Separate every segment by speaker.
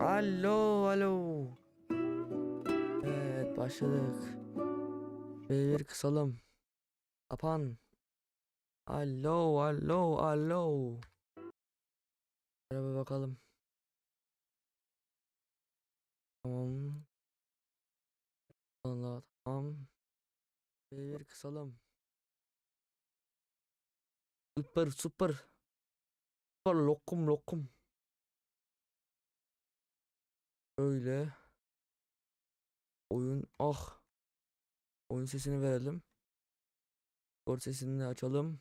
Speaker 1: Alo, alo. Evet, başladık. Bir kısalım. Kapan. Alo, alo, alo. Merhaba bakalım. Tamam. Allah, tamam. Bir kısalım. Süper, süper. Süper lokum, lokum. Öyle. Oyun, ah. Oyun sesini verelim. Skor sesini de açalım.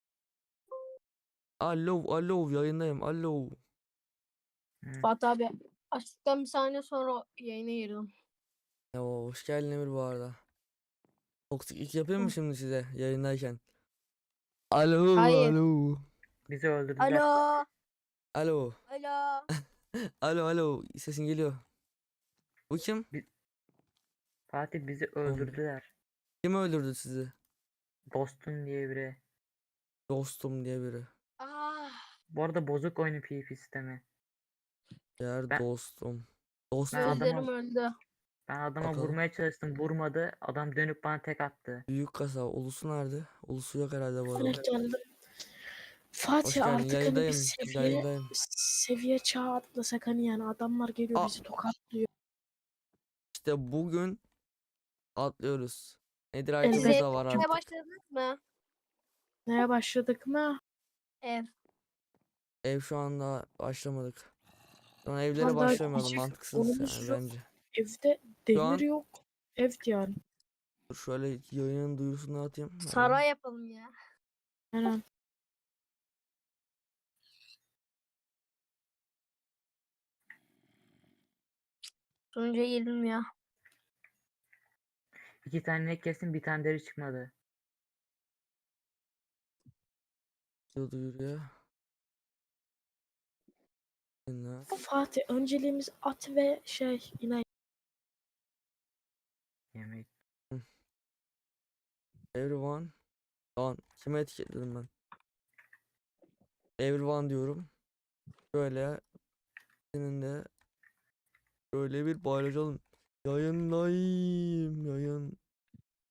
Speaker 1: Alo, alo, yayındayım. Alo.
Speaker 2: Fatih abi açtıktan bir saniye sonra yayına girdim.
Speaker 1: Ya, hoş geldin Emir bu arada. Toksiklik yapayım mı şimdi size yayındayken? Alo,
Speaker 2: Hayır.
Speaker 1: alo.
Speaker 3: Bizi öldürdüler.
Speaker 2: Alo.
Speaker 1: Alo.
Speaker 2: Alo.
Speaker 1: Alo, alo. Sesin geliyor. Bu kim?
Speaker 3: Fatih bizi
Speaker 1: Tamam.
Speaker 3: öldürdüler.
Speaker 1: Kim öldürdü sizi?
Speaker 3: Dostun diye biri.
Speaker 1: Dostum diye biri.
Speaker 2: Ah.
Speaker 3: Bu arada bozuk oyunu PvP sistemi.
Speaker 1: Diğer
Speaker 3: Ben
Speaker 1: dostum.
Speaker 3: ben
Speaker 1: Dostum.
Speaker 2: Gözlerim
Speaker 3: adama
Speaker 2: öldü.
Speaker 3: ben adama
Speaker 1: Bakalım.
Speaker 3: vurmaya çalıştım, vurmadı. Adam dönüp bana tek attı.
Speaker 1: Büyük kasa. Ulusu nerede? Ulusu yok herhalde bu arada.
Speaker 4: Evet geldim.
Speaker 1: Hoş
Speaker 4: Fatih
Speaker 1: geldin.
Speaker 4: artık hani bir
Speaker 1: Yayındayım. Yayındayım.
Speaker 4: seviye çağı atlasak hani yani adamlar geliyor
Speaker 1: Aa,
Speaker 4: bizi tokatlıyor.
Speaker 1: işte bugün atlıyoruz. Nedir
Speaker 4: Evet.
Speaker 1: item'ımız
Speaker 2: Siz
Speaker 1: da var
Speaker 2: evine
Speaker 1: artık.
Speaker 2: başladınız mı?
Speaker 4: Neye başladık mı?
Speaker 2: Ev.
Speaker 1: Ev şu anda başlamadık. Sonra evlere
Speaker 4: Vallahi
Speaker 1: başlamayalım.
Speaker 4: hiç
Speaker 1: Mantıksız
Speaker 4: konumuz
Speaker 1: yani
Speaker 4: yok.
Speaker 1: bence.
Speaker 4: Evde
Speaker 1: Şu
Speaker 4: demir
Speaker 1: an
Speaker 4: yok. Ev yani.
Speaker 1: dur şöyle yayının duyurusunu atayım. Hemen.
Speaker 2: Saray yapalım ya.
Speaker 4: Aynen.
Speaker 2: Sonuca girdim ya.
Speaker 3: 2 tane ne kesin, bir tane deri çıkmadı.
Speaker 1: Duyuruyor. Dinle.
Speaker 4: Fatih önceliğimiz at ve inek.
Speaker 3: Yemek.
Speaker 1: Everyone. Lan kime etiketledim ben? Everyone diyorum. Böyle senin de böyle bir paylaşalım. Yayındayım. Yayın.